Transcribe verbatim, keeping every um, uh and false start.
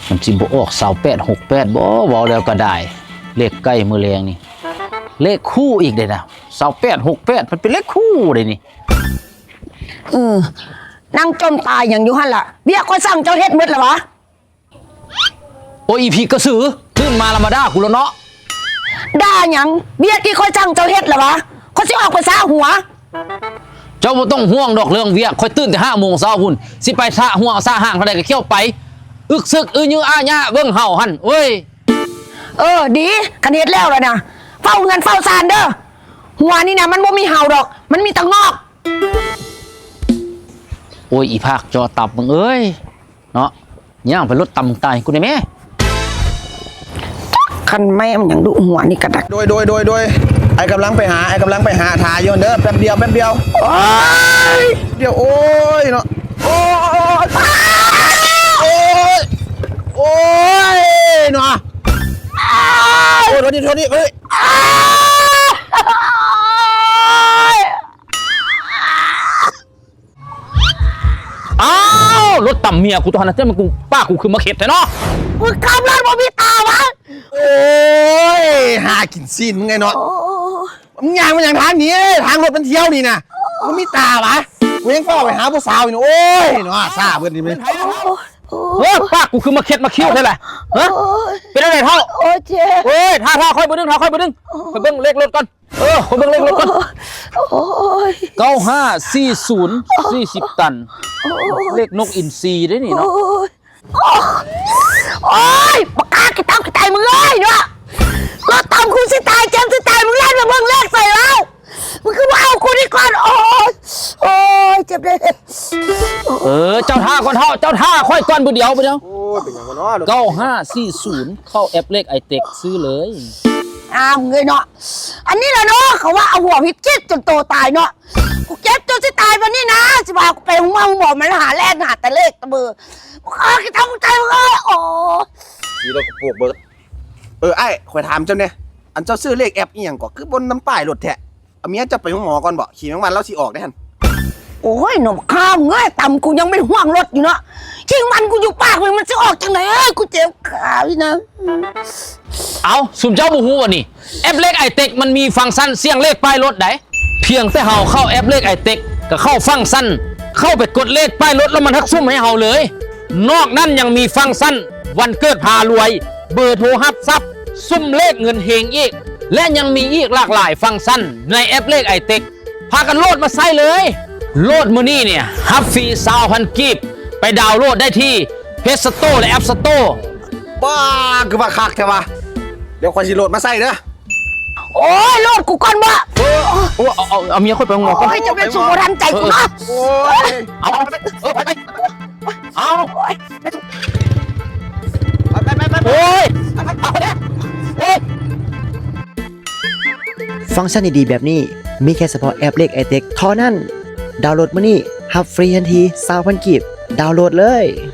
มันสิบ่ออกสาวแปดหกแปดบ่เว้าแล้วก็ได้เลขใกล้มือแรงนี่เลขคู่อีกเลยนะสาวแปดหกแปดมันเป็นเลขคู่เลยนี่เออนั่งจมตายอย่างอยู่หั่นล่ะเบี้ยก็สั่งเจ้าเฮ็ดหมดแล้ววะโอ้ยอีพีกระสือตื่นมาละมาด่ากูแล้วเนาะด่าหยังเบี้ยที่ค่อยสั่งเจ้าเฮ็ดแล้ววะเขาสิออกไปซาหัวเจ้าบ่ต้องห่วงดอกเรื่องเวียค่อยตื่นแต่ห้าโมงเช้าพุ่นสิไปซะห่วงซะห่างเท่าใดก็เขี้ยวไปอึกซึกอื้อยื้ออาญะเบิ่งเห่าหั่นเอ้ยเออดีคันเฮ็ดแล้วล่ะนะเฝ้าเงินเฝ้าซานเด้อหัวนี่นะมันบ่มีเห่าดอกมันมีแตะงอกโอ้ยอีภาคจอตับมึงเอ้ยเนาะย่างไปรถตำตายกูได้แม่คันแม่มันยังดุหัวนี่กระดักโดยโดยโดยโดยไอ้กำลังไปหาไอ้กำลังไปหาทายโยนเด้อแป๊บเดียวแป๊บเดียวโอ้ยเดี๋ยวโอ้ยเนาะโอ้ยโอ้ยโอ้ยเนาะโอ้ยโทษนี่โทษนี่เฮ้ยอ้าวรถต่ำเมียกูตอนนั้นเจ้ามันกูป้ากูคือมาเข็ดแต่เนาะมึงขับรถบ่มีตาวะโอ้ยหากินซีนมึงไงเนาะมึงยางมันอย่างทางนี้ทางรถมันเที่ยวนี่นะมึงมีตาวะกูยังเฝ้าไปหาผู้สาวอยู่โอ้ยเนาะซาเบิดนี่มั้ยเออป้ากูคือมาเข็ดมาคิ้วใช่ไหมฮะเป็นอะไรเท่าโอ้เจ๊โอ้ยท่าท่าค่อยไปดึงท่าค่อยไปดึงไปเบิ้งเลขรถก่อนเออไปเบิ้งเลขรถก่อนเก้าห้าสี่ศูนย์สี่สิบตันเลขนกอินทรีได้นี่เนาะโอ้ยปากกากี่ตั้งกี่ตายมึงเลยเนาะรถตามกูสิตายเจมสิตายมึงเล่นมาเบิ้งเลขใส่แล้วมึงคือว่าเอากูนี่ก่อนโอ้ยโอ้ยเจ็บเลยเออเจ้าท่าก่อนเท่าเจ้าท่าค่อยก่อนบุเดียวบุเดียวโอ้ยเป็นยังไงเนาะเก้าห้าสี่ศูนย์เข้าแอปเลขไอเต็กซื้อเลยอ้าวเงยเนาะอันนี้แหละเนาะเขาว่าเอาหัวพิษจิตจนโตตายเนาะกูเจ็บจนสิตายวันนี้นะสิบ่ากูไปห้องหมอหมอมันหาแลกหาแต่เลขตะเบอร์กูฆ่ากี่ทำกูใจมึงเลยโอ้ทีเราปลูกเบิร์ดเออไอ้ข่อยถามเจ้าเนี่ยอันเจ้าซื้อเลขแอปอีหยังก่อคือบนน้ำป้ายรถแท้เอาเมียจะไปห้องหมอก่อนบ่ขี่ทั้งวันแล้วสิออกได้ทันโอ้ยหนุ่มข้ามเงยต่ำกูยังไม่ห่วงรถอยู่เนาะชิงมันกูอยู่ปากมันมันจะออกจังไหนเอ้ยกูเจ็บขาพี่นะเอาสุ่มเจ้าบูฮูวะนี่แอปเลขไอเต็กมันมีฟังก์ชันเสี่ยงเลขป้ายรถไหนเพียงแต่เฮาเข้าแอปเลขไอเต็กก็เข้าฟังก์ชันเข้าไปกดเลขป้ายรถแล้วมันทักซุ่มให้เฮาเลยนอกนั้นยังมีฟังก์ชันวันเกิดพารวยเบอร์โทรฮับซับซุ่มเลขเงินเฮงอีกและยังมีอีกหลากหลายฟังก์ชันในแอปเลขไอเต็กพากันโหลดมาใส่เลยโหลดมือนี่เนี่ยฮับฟรีสาวพันกีบไปดาวน์โหลดได้ที่เพจสโตร์และแอปสโตร์บ้าคือว่าคักแท้วะเดี๋ยวคอยสิโหลดมาใส่เด้อโอ้ยโหลดกูก่อนบ่โอ้เอาเอาเอาเมียค่อยไปงอก่อนจะเป็นสูบทันใจกูนะโอ้ยเอาไปเออไปไปเอาไปไปไปโอ้ยเอาไปเนี่ยฟังก์ชันดีๆแบบนี้มีแค่เฉพาะแอปเลขไอเต็กเท่านั้นดาวน์โหลดมานี่ฮับฟรีทันทีสามพันกีบดาวน์โหลดเลย